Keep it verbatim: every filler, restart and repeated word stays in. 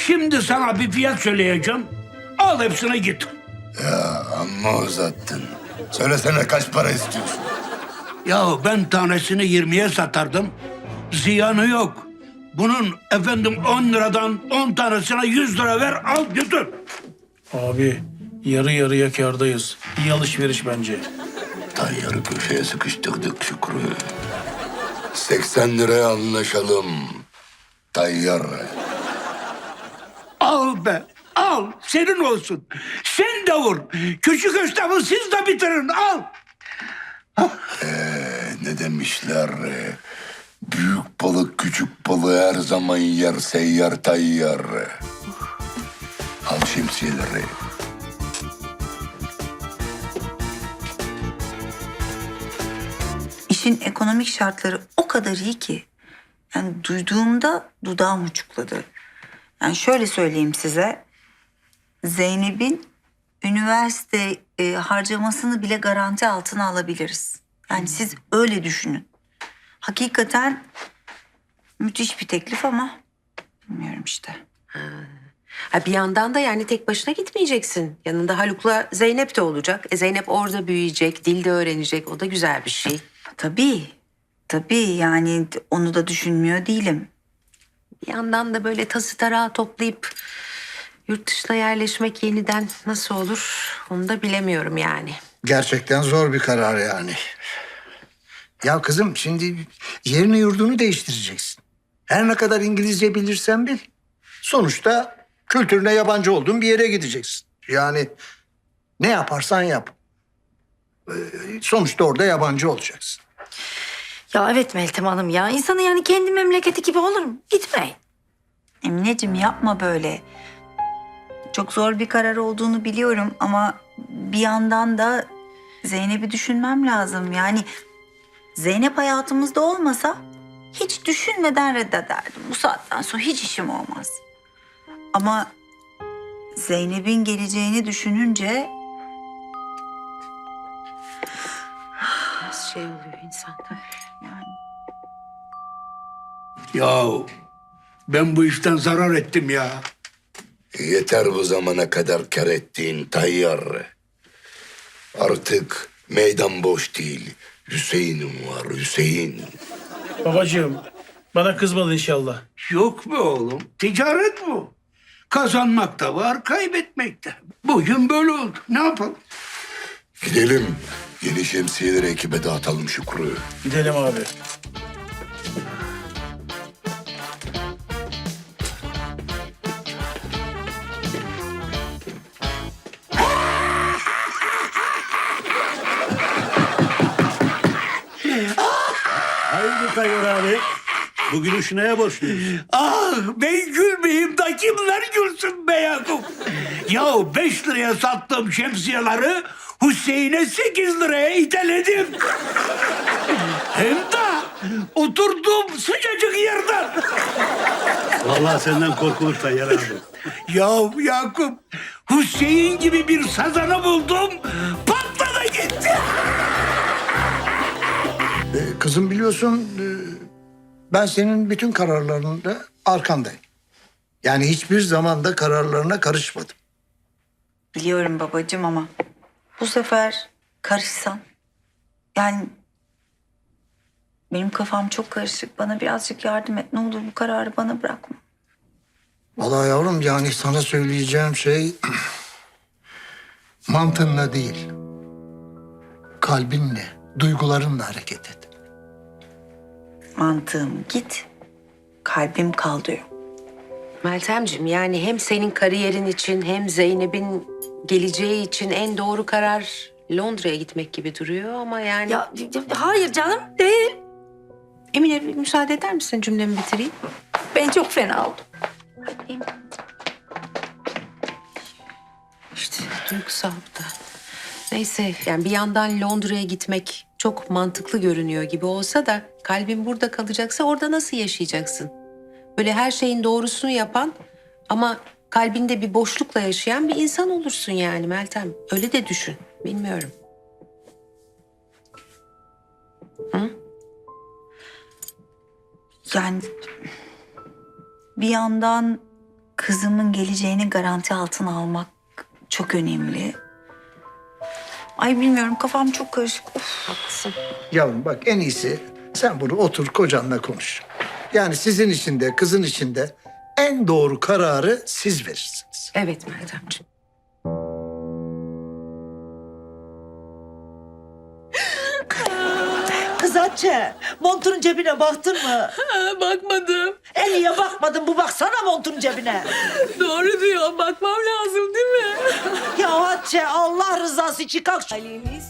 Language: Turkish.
Şimdi sana bir fiyat söyleyeceğim. Al hepsine git. Ya amma uzattın. Söylesene kaç para istiyorsun? Ya ben tanesini yirmiye satardım. Ziyanı yok. Bunun efendim on liradan on tanesine yüz lira ver, al götür. Abi yarı yarıya kârdayız. İyi alışveriş bence. Tayyarı köşeye sıkıştırdık Şükrü. seksen liraya anlaşalım. Tayyar. Al be, al. Senin olsun. Sen de vur. Küçük esnafı siz de bitirin, al. Ee, ne demişler? Büyük balık küçük balığı her zaman yer, seyyar tayyar. Al şemsiyeleri. İşin ekonomik şartları o kadar iyi ki. Yani duyduğumda dudağım uçukladı. Yani şöyle söyleyeyim size. Zeynep'in üniversite e, harcamasını bile garanti altına alabiliriz. Yani siz öyle düşünün. Hakikaten müthiş bir teklif ama bilmiyorum işte. Ha, bir yandan da yani tek başına gitmeyeceksin. Yanında Haluk'la Zeynep de olacak. E, Zeynep orada büyüyecek, dil de öğrenecek. O da güzel bir şey. Tabii, tabii yani onu da düşünmüyor değilim. Bir yandan da böyle tası tarağı toplayıp yurt dışına yerleşmek yeniden nasıl olur onu da bilemiyorum yani. Gerçekten zor bir karar yani. Ya kızım şimdi yerini yurdunu değiştireceksin. Her ne kadar İngilizce bilirsen bil. Sonuçta kültürüne yabancı olduğun bir yere gideceksin. Yani ne yaparsan yap. Ee, Sonuçta orada yabancı olacaksın. Ya evet Meltem Hanım ya. İnsanın yani kendi memleketi gibi olur mu? Gitmeyin. Emineciğim yapma böyle. Çok zor bir karar olduğunu biliyorum ama bir yandan da Zeynep'i düşünmem lazım. Yani Zeynep hayatımızda olmasa hiç düşünmeden reddederdim. Bu saatten sonra hiç işim olmaz. Ama Zeynep'in geleceğini düşününce Nasıl şey oluyor insanda? yani Ya ben bu işten zarar ettim ya. Yeter bu zamana kadar kar ettiğin tayyar. Artık meydan boş değil. Hüseyin'im var, Hüseyin. Babacığım bana kızmadın inşallah. Yok be oğlum, ticaret bu. Kazanmak da var, kaybetmek de. Bugün böyle oldu. Ne yapalım? Gidelim. Yeni şemsiyeleri ekibe dağıtalım Şükrü. Gidelim abi. Hayırdır Tayyar abi? Bugün işi neye borçluyuz? Ah ben gülmeyeyim da kimler gülsün be Yakup? Ya beş liraya sattığım şemsiyeleri Hüseyin'e sekiz liraya iteledim. Hem de oturduğum sıcacık yerden. Vallahi senden korkulur Tayyar abi. Ya Yakup, Hüseyin gibi bir sazanı buldum, patladı gitti. Ee, kızım biliyorsun e, ben senin bütün kararlarında arkandayım. Yani hiçbir zaman da kararlarına karışmadım. biliyorum babacığım ama bu sefer karışsan. Yani benim kafam çok karışık. Bana birazcık yardım et. Ne olur bu kararı bana bırakma. Vallahi yavrum yani sana söyleyeceğim şey mantığınla değil, kalbinle, duygularınla hareket et. Mantığım git, kalbim kal diyor. Meltemciğim yani hem senin kariyerin için hem Zeynep'in geleceği için en doğru karar Londra'ya gitmek gibi duruyor ama yani... Ya hayır canım değil. Emine bir müsaade eder misin cümlemi bitireyim? Ben çok fena oldum. İşte duygusal bu da. Neyse yani bir yandan Londra'ya gitmek çok mantıklı görünüyor gibi olsa da kalbin burada kalacaksa orada nasıl yaşayacaksın? Böyle her şeyin doğrusunu yapan ama kalbinde bir boşlukla yaşayan bir insan olursun yani Meltem. Öyle de düşün. Bilmiyorum. Yani bir yandan kızımın geleceğini garanti altına almak çok önemli. Ay bilmiyorum, kafam çok karışık. Of. Haklısın. Yavrum bak, en iyisi sen bunu otur kocanla konuş. Yani sizin için de kızın için de en doğru kararı siz verirsiniz. Evet Meltemciğim. Kız Hatice, montunun cebine baktın mı? Bakmadım. En iyiye bakmadın, bu baksana montunun cebine. Doğru diyor. Bakmam lazım değil mi? Ya Hatice, Allah rızası için kalk. Halimiz